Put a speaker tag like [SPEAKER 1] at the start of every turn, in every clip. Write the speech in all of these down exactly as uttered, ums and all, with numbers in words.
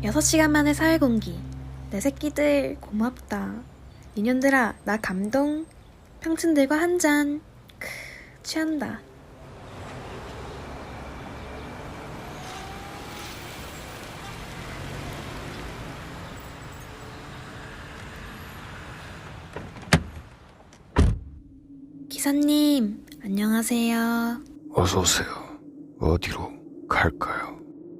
[SPEAKER 1] 여섯 시간 만에 사회 공기. 내 새끼들 고맙다. 인연들아 나 감동. 평친들과 한잔. 크, 취한다. 기사님 안녕하세요.
[SPEAKER 2] 어서 오세요. 어디로 갈까요?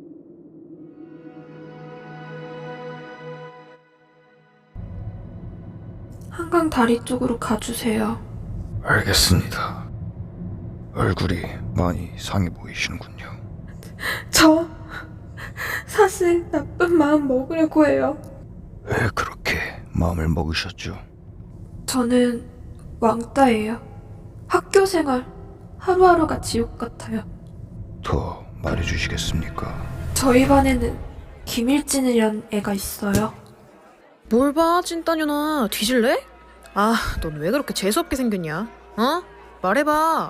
[SPEAKER 3] 한강 다리 쪽으로 가주세요.
[SPEAKER 2] 알겠습니다. 얼굴이 많이 상해 보이시는군요.
[SPEAKER 3] 저 사실 나쁜 마음 먹으려고 해요.
[SPEAKER 2] 왜 그렇게 마음을 먹으셨죠?
[SPEAKER 3] 저는 왕따예요. 학교 생활 하루하루가 지옥 같아요.
[SPEAKER 2] 더 말해주시겠습니까?
[SPEAKER 3] 저희 반에는 김일진이란 애가 있어요.
[SPEAKER 1] 뭘 봐 찐따년아. 뒤질래? 아 넌 왜 그렇게 재수없게 생겼냐? 어? 말해봐.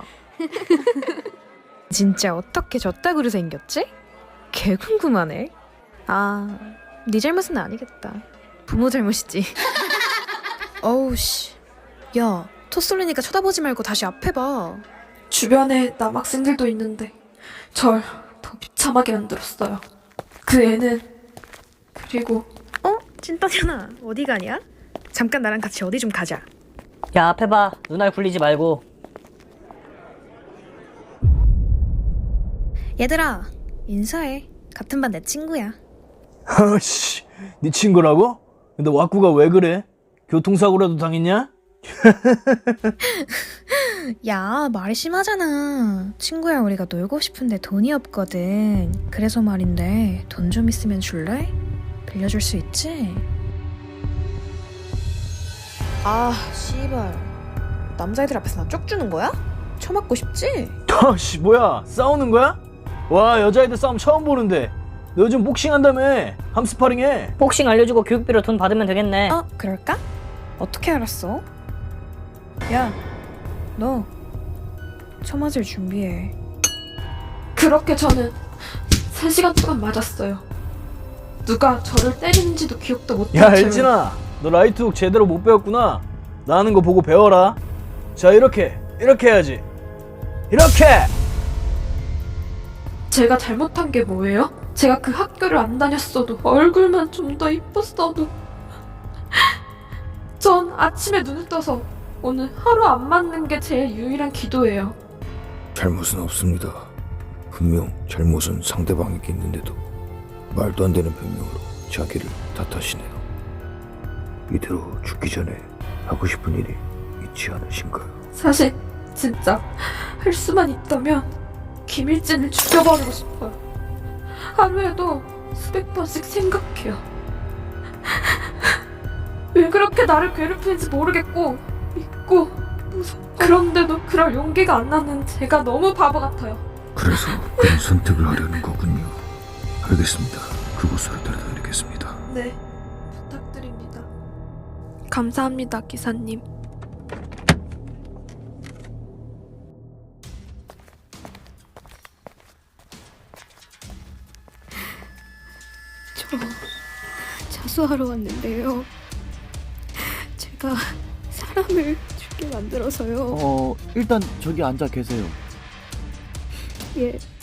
[SPEAKER 1] 진짜 어떻게 저따구로 생겼지? 개 궁금하네. 아, 네 잘못은 아니겠다. 부모 잘못이지. 어우 씨. 야, 토 쏠리니까 쳐다보지 말고 다시 앞에 봐.
[SPEAKER 3] 주변에 남학생들도 있는데 절 더 비참하게 만들었어요. 그 애는 그리고
[SPEAKER 1] 어? 찐따년아 어디 가냐? 잠깐 나랑 같이 어디 좀 가자.
[SPEAKER 4] 야, 앞에 봐. 눈알 굴리지 말고.
[SPEAKER 1] 얘들아 인사해. 같은 반 내 친구야.
[SPEAKER 5] 아씨, 네 친구라고? 근데 와꾸가 왜 그래? 교통사고라도 당했냐?
[SPEAKER 1] 야 말이 심하잖아. 친구야 우리가 놀고 싶은데 돈이 없거든. 그래서 말인데 돈 좀 있으면 줄래? 빌려줄 수 있지? 아 씨발 남자애들 앞에서 나 쪽 주는 거야? 쳐맞고 싶지?
[SPEAKER 5] 아씨, 뭐야? 싸우는 거야? 와, 여자애들 싸움 처음 보는데. 너 요즘 복싱 한다며? 함스파링해?
[SPEAKER 4] 복싱 알려주고 교육비로 돈 받으면 되겠네.
[SPEAKER 1] 어 그럴까? 어떻게 알았어? 야 너 쳐맞을 준비해.
[SPEAKER 3] 그렇게 저는 세 시간 동안 맞았어요. 누가 저를 때리는지도 기억도 못해요.
[SPEAKER 5] 야, 엘진아, 너 라이트훅 제대로 못 배웠구나. 나 하는 거 보고 배워라. 자, 이렇게, 이렇게 해야지. 이렇게!
[SPEAKER 3] 제가 잘못한 게 뭐예요? 제가 그 학교를 안 다녔어도 얼굴만 좀 더 이뻤어도 전 아침에 눈을 떠서 오늘 하루 안 맞는 게 제 유일한 기도예요.
[SPEAKER 2] 잘못은 없습니다. 분명 잘못은 상대방에게 있는데도 말도 안 되는 변명으로 자기를 탓하시네요. 이대로 죽기 전에 하고 싶은 일이 있지 않으신가요?
[SPEAKER 3] 사실 진짜 할 수만 있다면 김일진을 죽여버리고 싶어요. 하루에도 수백 번씩 생각해요. 왜 그렇게 나를 괴롭히는지 모르겠고 믿고 무섭고 그런데도 그럴 용기가 안 나는 제가 너무 바보 같아요.
[SPEAKER 2] 그래서 그런 선택을 하려는 거군요. 알겠습니다. 그곳으로 데려다 드리겠습니다.
[SPEAKER 3] 네, 부탁드립니다. 감사합니다, 기사님.
[SPEAKER 6] 저 자수하러 왔는데요. 제가 사람을 죽게 만들어서요.
[SPEAKER 7] 어, 일단 저기 앉아 계세요.
[SPEAKER 6] 예,